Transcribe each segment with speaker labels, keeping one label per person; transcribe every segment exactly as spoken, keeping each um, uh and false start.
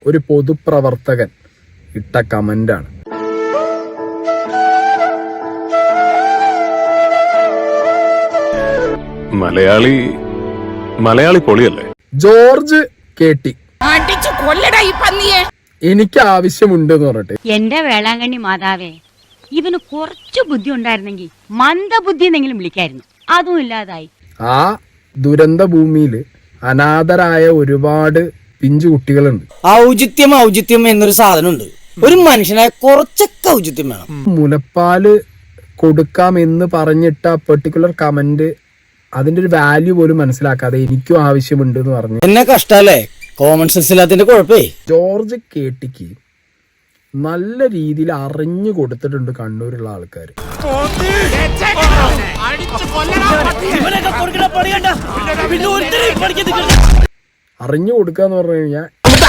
Speaker 1: ഒരു പൊതുപ്രവർത്തകൻ ഇട്ട കമന്റാണ്.
Speaker 2: മലയാളി മലയാളി പൊളിയല്ലേ?
Speaker 1: ജോർജ് കേട്ടി എനിക്ക് ആവശ്യമുണ്ട് എന്ന് പറഞ്ഞിട്ട്,
Speaker 3: എന്റെ വേളാങ്കണ്ണി മാതാവേ, ഇവന് കുറച്ചു ബുദ്ധി ഉണ്ടായിരുന്നെങ്കിൽ മന്ദബുദ്ധി എന്നെങ്കിലും വിളിക്കായിരുന്നു. അതും ഇല്ലാതായി.
Speaker 1: ആ ദുരന്ത ഭൂമിയിൽ അനാഥരായ ഒരുപാട് പിഞ്ചു കുട്ടികളുണ്ട്.
Speaker 4: ഔചിത്യം ഔചിത്യം എന്നൊരു സാധനമുണ്ട്. ഒരു മനുഷ്യനായ കുറച്ചൊക്കെ ഔചിത്യം വേണം.
Speaker 1: മുലപ്പാല് കൊടുക്കാമെന്ന് പറഞ്ഞിട്ട പെർട്ടിക്കുലർ കമന്റ് അതിന്റെ ഒരു വാല്യൂ പോലും മനസ്സിലാക്കാതെ എനിക്കും ആവശ്യമുണ്ട് എന്ന് പറഞ്ഞു.
Speaker 4: എന്നെ കഷ്ടല്ലേ, കോമൺ സെൻസ് ഇല്ലാത്തതിന്റെ കുഴപ്പേ.
Speaker 1: ജോർജ് കേട്ടിക്ക് നല്ല രീതിയിൽ അറിഞ്ഞു കൊടുത്തിട്ടുണ്ട് കണ്ണൂരുള്ള ആൾക്കാർ. അറിഞ്ഞു കൊടുക്കുക എന്ന് പറഞ്ഞു കഴിഞ്ഞാൽ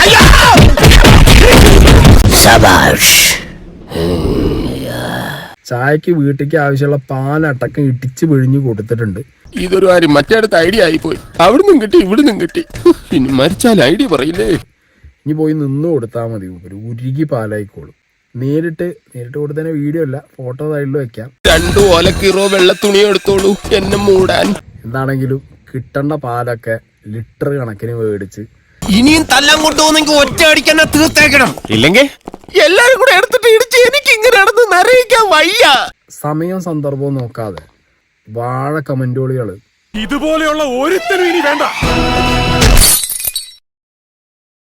Speaker 1: ചായക്ക് വീട്ടിലേക്ക് ആവശ്യമുള്ള പാലടക്കം ഇടിച്ച് പിഴിഞ്ഞു കൊടുത്തിട്ടുണ്ട്.
Speaker 2: ഇതൊരു കാര്യം മറ്റേടത്ത് ഐഡിയ ആയിപ്പോയി. അവിടുന്നും കിട്ടി ഇവിടുന്നും കിട്ടി. പിന്നെ മരിച്ചാൽ ഐഡിയ പറയില്ലേ?
Speaker 1: ഇനി പോയി നിന്ന് കൊടുത്താൽ മതി. ഒരു ഉരുകി പാലായിക്കോളും. നേരിട്ട് നേരിട്ട് കൊടുത്തതിന് വീഡിയോ അല്ല, ഫോട്ടോ സൈഡിൽ വെക്കാം.
Speaker 2: രണ്ടു ഓലക്കീറോ വെള്ള തുണി എടുത്തോളൂ എന്നെ മൂടാൻ.
Speaker 1: എന്താണെങ്കിലും കിട്ടേണ്ട പാലൊക്കെ ലിറ്റർ കണക്കിന് മേടിച്ച്
Speaker 2: ഇനിയും തല്ലാൻ കൊണ്ടുപോകുന്നെങ്കിൽ ഒറ്റ അടിക്കാൻ തീർത്തേക്കണം. ഇല്ലെങ്കിൽ എല്ലാരും കൂടെ എടുത്തിട്ട് ഇടിച്ച് എനിക്ക് ഇങ്ങനെ നടന്ന് നരയിക്കാൻ വയ്യ.
Speaker 1: സമയം സന്ദർഭവും നോക്കാതെ വാഴ കമന്റുകളികള്
Speaker 2: ഇതുപോലെയുള്ള ഒരുത്തരും ഇനി വേണ്ട.